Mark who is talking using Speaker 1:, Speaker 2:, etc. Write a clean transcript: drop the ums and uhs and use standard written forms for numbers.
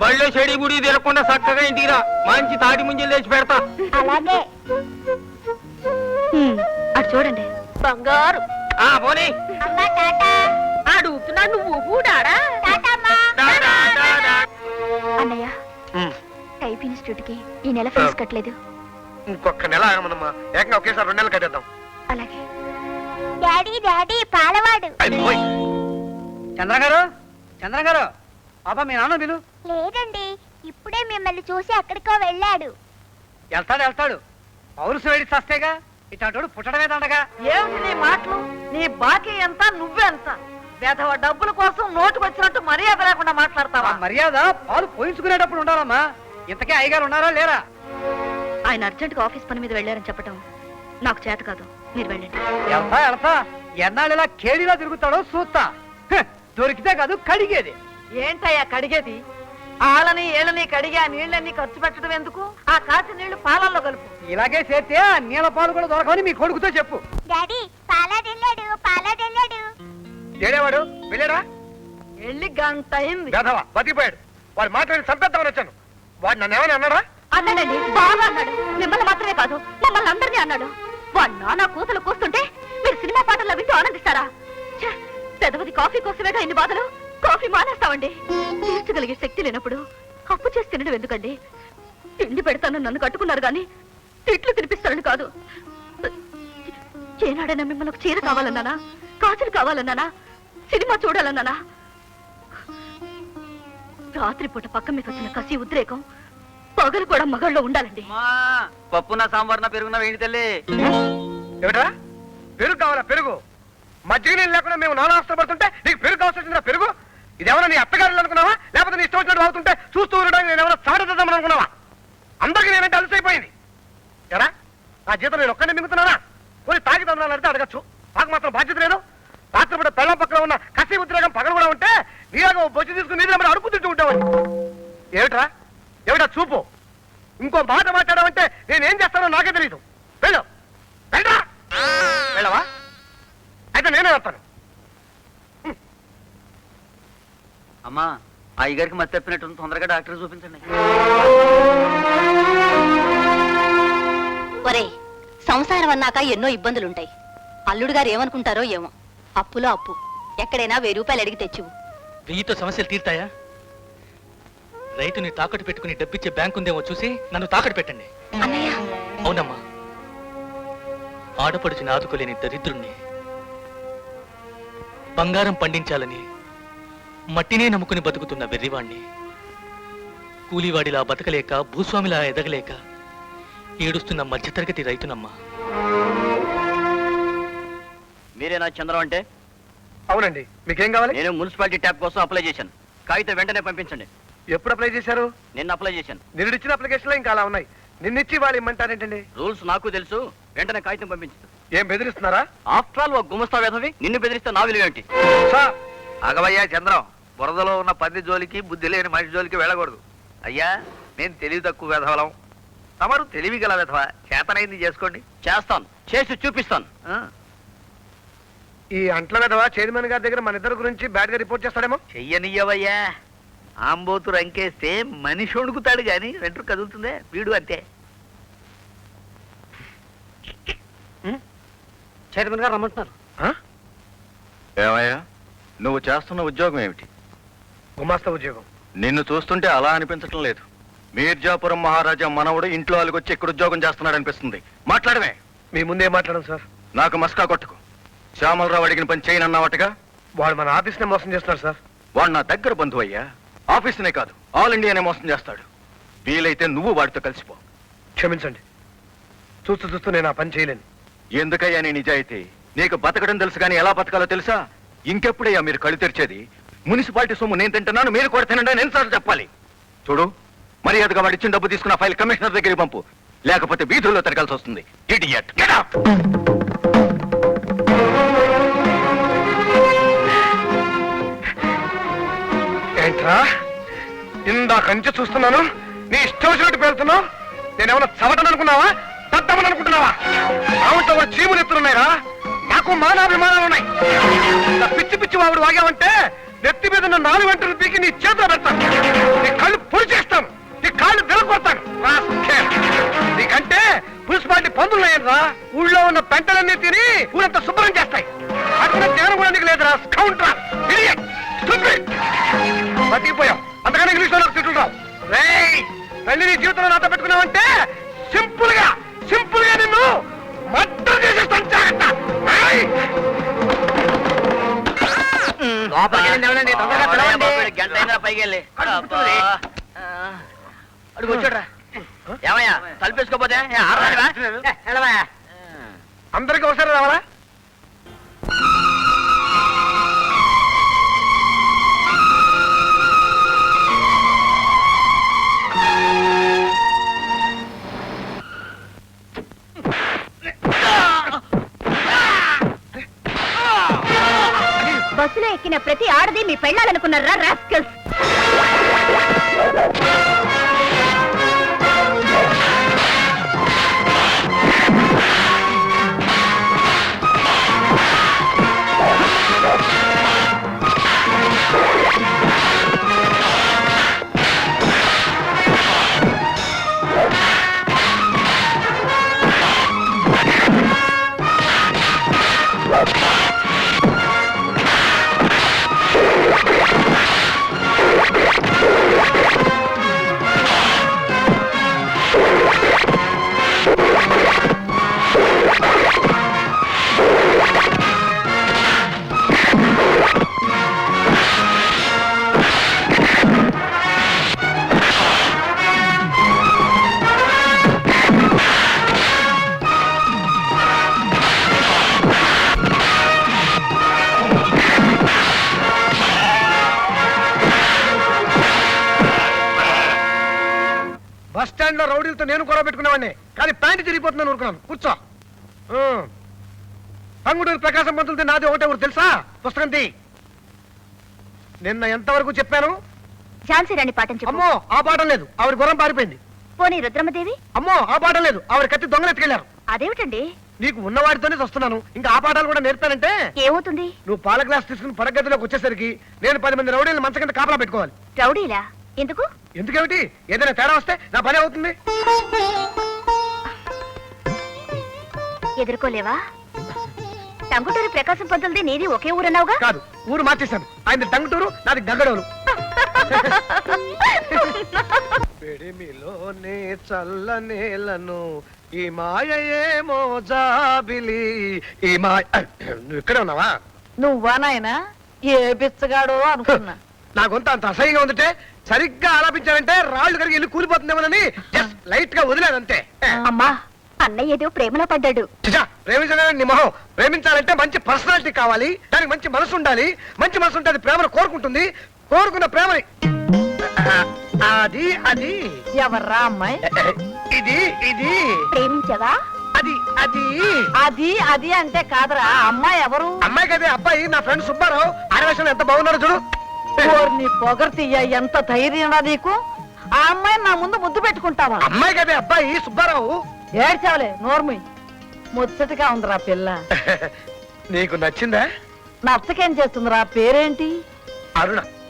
Speaker 1: బళ్ళో చెడి గుడి తిరగకుండా చక్కగా ఇంటికి రా. మంచి తాటి ముంజలు తెచ్చి పెడతా.
Speaker 2: అలాగే.
Speaker 3: అటు చూడండి.
Speaker 2: బంగారు.
Speaker 1: పోనీ.
Speaker 2: అడుగుతున్నా నువ్వు కూడాడా?
Speaker 3: అన్నయ్య, టైప్ ఇన్స్టిట్యూట్ కి ఈ నెల ఫీజు కట్టలేదు.
Speaker 1: ఇంకొక నెల ఆగమనమ్మా. ఏకంగా ఒకేసారి 2 నెలలు కట్టేద్దాం.
Speaker 3: అలాగే.
Speaker 2: Daddy daddy పాలవాడు.
Speaker 4: చంద్ర గారు పాప మీ నాన్న విలు.
Speaker 2: లేదండి, ఇప్పుడే మిమ్మల్ని చూసి ఎక్కడికో వెళ్ళాడు.
Speaker 4: వెళ్తాడు పౌరుసు వేడి చస్తేగా ఇట్లాంటి పుట్టడమే దండగా.
Speaker 5: ఏమిటి నీ మాటలు? నీ బాకీ ఎంత, నువ్వెంత? వేధవ డబ్బుల కోసం నోటుకొచ్చినట్టు మర్యాద లేకుండా మాట్లాడతావా?
Speaker 4: మర్యాద పాలు పోయించుకునేటప్పుడు ఉండాలమ్మా. ఇంతకే అయ్యగారు ఉన్నారా లేరా?
Speaker 3: ఆయన అర్జెంట్ గా ఆఫీస్ పని మీద వెళ్ళారని చెప్పటం నాకు చేత కాదు. మీరు వెళ్ళండి.
Speaker 4: వెళ్తా ఎన్నాళ్ళు ఇలా కేడిలా తిరుగుతాడో చూస్తా. దొరికితే కాదు కడిగేది.
Speaker 5: ఏంటయ్యా కడిగేది? ఆళ్ళని ఏళ్ళని కడిగి ఆ నీళ్ళని ఖర్చు పెట్టడం ఎందుకు? ఆ కాచి నీళ్లు పాలల్లో కలుపు.
Speaker 4: ఇలాగే చేస్తే ఆ నీళ్ళ పాలు కూడా దొరకవని మీ కొడుకుతో చెప్పు.
Speaker 2: డాడీ పాలాడెళ్ళాడు.
Speaker 1: ఏడేవాడు వెళ్ళాడా?
Speaker 5: వెళ్ళి గంట అయింది.
Speaker 1: గధవా బతికిపోయాడు. వాడు మాట్లాడి చంపేద్దామని వచ్చాను. వాడు నన్ను ఏమని అన్నాడా?
Speaker 3: అన్నాడండి, బాగా అన్నాడు. మిమ్మల్ని మాత్రమే కాదు, మమ్మల్ని అందరినీ అన్నాడు. వాడు నానా కూతులు కూస్తుంటే మీరు సినిమా పాటల్లో వింటూ ఆనందిస్తారా? పెదవది కాఫీ కోసమేగా ఇన్ని బాధలు. కాఫీ మానేస్తామండి. తీర్చగలిగే శక్తి లేనప్పుడు అప్పు చేసి తినడం ఎందుకండి? తిండి పెడతానని నన్ను కట్టుకున్నారు గాని తిట్లు తినిపిస్తారని కాదు. ఏనాడైనా మిమ్మల్ని ఒక చీర కావాలన్నానా, కాసులు కావాలన్నానా, సినిమా చూడాలన్నానా? రాత్రిపూట పక్క మీకు వచ్చిన కసి ఉద్రేకం పగలు కూడా మగళ్ళలో ఉండాలండి.
Speaker 4: పప్పున సాంబార్న పెరుగున వేడి తల్లి.
Speaker 1: ఏమిటా పెరుగు కావాలా? పెరుగు మజ్జిగ నీళ్ళు లేకుండా మేము నానా అవసరపడుతుంటే నీకు పెరుగు కావాల్సిందిరా? పెరుగు ఇదేమన్నా నీ అత్తగారులు అనుకున్నావా? లేకపోతే నీ ఇష్టం వచ్చినట్టు అవుతుంటే చూస్తూ ఉండడానికి నేను ఎవరైనా సాడదామని అనుకున్నావా? అందరికీ నేనంటే అలసైపోయింది. ఎరా నా జీతం నేను ఒక్కనే మింగుతున్నానా? కొన్ని తాగి తందాలంటే అడగచ్చు. నాకు మాత్రం బాధ్యత లేదు. రాత్రిపూట పెళ్ళం పక్కన ఉన్న కసి ఉద్రేకం పగలు కూడా ఉంటే నీలాగా బొచ్చి తీసుకుని నీళ్ళు అడుపు తింటూ ఉంటామని. ఏమిటా చూపు? ఇంకో మాట మాట్లాడావంటే నేనేం చేస్తానో నాకే తెలియదు. వెళ్ళు. వెళ్ళరా. వెళ్ళవా? అయితే నేనే వస్తాను.
Speaker 4: అమ్మా అయ్యగారికి మతి తప్పినట్టు తొందరగా డాక్టర్ చూపించండి.
Speaker 3: ఒరే, సంసారం అన్నాక ఎన్నో ఇబ్బందులుంటాయి. అల్లుడు గారు ఏమనుకుంటారో ఏమో. అప్పులో అప్పు. ఎక్కడైనా 1000 రూపాయలు అడిగి తెచ్చివు.
Speaker 6: 1000తో సమస్యలు తీర్తాయా? రైతుని తాకట్టు పెట్టుకుని డబ్బిచ్చే బ్యాంకు ఉందేమో చూసి నన్ను తాకట్టు పెట్టండి.
Speaker 3: అన్నయ్య.
Speaker 6: అవునమ్మా, ఆడపడుచుని ఆదుకోలేని దరిద్రుణ్ణి. బంగారం పండించాలని మట్టినే నమ్ముకుని బతుకుతున్న వెర్రివాణ్ణి. కూలీవాడిలా బతకలేక, భూస్వామిలా ఎదగలేక ఏడుస్తున్న మధ్యతరగతి రైతునమ్మా.
Speaker 4: మీరేనా చంద్రం అంటే?
Speaker 1: అవునండి. మీకేం కావాలి?
Speaker 4: నేను మున్సిపాలిటీ ట్యాప్ కోసం అప్లై చేశాను. కాగితం వెంటనే పంపించండి.
Speaker 1: ఎప్పుడు అప్లై చేశారు?
Speaker 4: నిన్న అప్లై చేశాను.
Speaker 1: నిన్నిచ్చిన అప్లికేషన్ లో ఇంకా అలా ఉన్నాయి. నిన్నిచ్చి వాళ్ళు ఇమ్మంటారేంటండి?
Speaker 4: రూల్స్ నాకు తెలుసు. వెంటనే కాగితం పంపించు.
Speaker 1: ఏం బెదిరిస్తున్నారా?
Speaker 4: ఆఫ్టర్ ఆల్ ఒక గుమస్తా వేధవి నిన్ను బెదిరిస్తే నా విలువ ఏంటి?
Speaker 7: అగవయ్యా చంద్రం, బురదలో ఉన్న పంది జోలికి బుద్ధి లేని మనిషి జోలికి వెళ్ళకూడదు. అయ్యా నేను తెలివి తక్కువ వెధవలం, తమరు తెలివి గల వెధవ. చేతనైంది చేసుకోండి.
Speaker 4: చేస్తాను, చేసి చూపిస్తాను.
Speaker 1: ఈ అంట్ల వెధవ చైర్మన్ గారి దగ్గర మన ఇద్దరు గురించి బ్యాడ్ గా రిపోర్ట్ చేస్తాడేమో.
Speaker 7: చెయ్యనియ్యవయ్యా. ఆంబోతు రంకేస్తే మనిషి వణుకుతాడు గాని వెంట్రు కదులుతుందే. వీడు అంతే.
Speaker 4: చైర్మన్ గారు రమ్మంటున్నారు.
Speaker 8: ఏమయ్యా, నువ్వు చేస్తున్న ఉద్యోగం ఏమిటి?
Speaker 1: గుమాస్తా ఉద్యోగం.
Speaker 8: నిన్ను చూస్తుంటే అలా అనిపించటం లేదు. మీర్జాపురం మహారాజా మనవడు ఇంట్లో వాళ్ళకొచ్చి ఇక్కడ ఉద్యోగం చేస్తున్నాడు అనిపిస్తుంది. మాట్లాడమే.
Speaker 1: మీ ముందే మాట్లాడడం సార్.
Speaker 8: నాకు మస్కా కొట్టుకు. శ్యామలరావు అడిగిన పని చేయనన్నావటగా.
Speaker 1: వాడు మన ఆఫీస్ నే మోసం చేస్తున్నాడు సార్.
Speaker 8: వాడు నా దగ్గర బంధువు అయ్యా. ఆఫీసునే కాదు, ఆల్ ఇండియానే మోసం చేస్తాడు. వీలైతే నువ్వు వాడితో కలిసిపో.
Speaker 1: క్షమించండి, చూస్తూ నేను ఆ పని చేయలేను.
Speaker 8: ఎందుకయ్యా నీ నిజాయితీ? నీకు బతకడం తెలుసు కానీ ఎలా బతకాలో తెలుసా? ఇంకెప్పుడయ్యా మీరు కళ్ళు తెరిచేది? మున్సిపాలిటీ సొమ్ము నేను తింటున్నాను, మీరు కూడా తినండి అని ఎన్నిసార్లు చెప్పాలి? చూడు, మర్యాదగా వాడు ఇచ్చిన డబ్బు తీసుకున్న ఫైల్ కమిషనర్ దగ్గరికి పంపు, లేకపోతే వీధుల్లో తిరగాల్సి వస్తుంది. ఇడియట్. Get out.
Speaker 1: ఏంట్రా ఇందాకంచి చూస్తున్నాను, నీ ఇష్టం వచ్చినట్టు పేరుతున్నావు. నేనేమన్నా చవటను అనుకున్నావా, తద్దమని అనుకుంటున్నావా? ఆవిడతో కూడా చీములు ఎత్తులున్నాయిరా. నాకు మానాభిమానాలు ఉన్నాయి. పిచ్చి పిచ్చి వాడు వాగావంటే నెత్తి మీద 4 గంటలు పీకి నీ చేతిలో పెడతాను. నీ కళ్ళు పొడి బతికిపోయాం. అంతకన్నా ఇంగ్లీష్ లో నాకు తిట్టుకుంటాం. రేయ్, తల్లి నీ జీవితంలో నాతో పెట్టుకున్నావంటే సింపుల్ గా నిన్ను మర్డర్ చేసేస్తాను. జాగ్రత్త. రేయ్.
Speaker 7: గంట అయినా పైకి వెళ్ళి అడుగు వచ్చాడ్రా. ఏమయ్యా తలుపేసుకోపోతే
Speaker 1: అందరికీ ఒకసారి రావాలా?
Speaker 3: బస్సులో ఎక్కిన ప్రతి ఆడది మీ పెళ్ళాలనుకున్నారా రాస్కల్స్? బస్ స్టాండ్ లో రౌడీలతో నేను కూడా పెట్టుకునేవాడిని, కానీ ప్యాంటు తిరిగిపోతుందని ఊరుకున్నాను. కూర్చో. పంగుడూరు ప్రకాశం పంతులతో నాది ఒకటే ఊరు తెలుసా? పుస్తకం తీ. నిన్న ఎంతవరకు చెప్పాను? ఝాన్సీ రాణి పాఠం చెప్పు.
Speaker 1: అమ్మో, ఆ పాఠం లేదు, ఆవిడ గుర్రం పారిపోయింది.
Speaker 3: పోనీ రుద్రమదేవి?
Speaker 1: అమ్మో, ఆ పాఠం లేదు, ఆవిడ కత్తి దొంగలు ఎత్తుకెళ్లారు.
Speaker 3: అదేమిటండి?
Speaker 1: నీకు ఉన్నవాడితోనే వస్తున్నాను, ఇంకా ఆ పాఠాలు కూడా నేర్పానంటే
Speaker 3: ఏమవుతుంది?
Speaker 1: నువ్వు పాల గ్లాస్ తీసుకుని పడగదిలోకి వచ్చేసరికి నేను 10 మంది రౌడీలను మంచ కింద కాపలా పెట్టుకోవాలి.
Speaker 3: రౌడీలా? ఎందుకు?
Speaker 1: ఎందుకేమిటి? ఏదైనా తేడా వస్తే నా పని అవుతుంది.
Speaker 3: ఎదుర్కోలేవా? టంగుటూరి ప్రకాశం పంతులది నీది ఒకే ఊరన్నావుగా?
Speaker 1: కాదు, ఊరు మార్చేశాను. ఆయన టంగుటూరు, నాది గంగడోలు. పెడిమిలోనే చల్లనేలను ఈ మాయేమో జాబిలి ఈ మాయ. నువ్వు ఇక్కడే ఉన్నావా?
Speaker 5: నువ్వా నాయనా? ఏ బిచ్చగాడో అనుకున్నా.
Speaker 1: నా గొంత అంత అసహ్యంగా ఉందంటే సరిగ్గా ఆలాపించానంటే రాళ్ళు కరిగి ఇల్లు కూలిపోతుందేమోనని జస్ట్ లైట్ గా వదిలేదంతే.
Speaker 3: అమ్మా, అన్నయ్య ఏదో ప్రేమలో పడ్డాడు.
Speaker 1: చిచా, ప్రేమించడం నీ మొహం. ప్రేమించాలంటే మంచి పర్సనాలిటీ కావాలి, దానికి మంచి మనసు ఉండాలి. మంచి మనసు ఉంటే అది ప్రేమను కోరుకుంటుంది. కోరుకున్న ప్రేమని అది అది
Speaker 5: ఎవర్రా అమ్మాయి?
Speaker 1: ఇది ఇది
Speaker 3: ప్రేమించవా?
Speaker 1: అది అది
Speaker 5: అది అది అంటే కాదురా, అమ్మాయి ఎవరు?
Speaker 1: అమ్మాయి కదే అబ్బాయి, నా ఫ్రెండ్ సుబ్బారావు. ఆడవేషంలో ఎంత బాగున్నారో చూడు.
Speaker 5: నీ పొగర్తీయ, ఎంత ధైర్యంరా నీకు? ఆ అమ్మాయిని నా ముందు ముద్దు పెట్టుకుంటావా?
Speaker 1: అమ్మాయి కదే అబ్బాయి సుబ్బారావు.
Speaker 5: ఏడ్చావులే, నోర్మి. ముచ్చటగా ఉందిరా పిల్ల.
Speaker 1: నీకు నచ్చిందా?
Speaker 5: నచ్చకేం చేస్తుందిరా? పేరేంటి?
Speaker 1: అరుణ.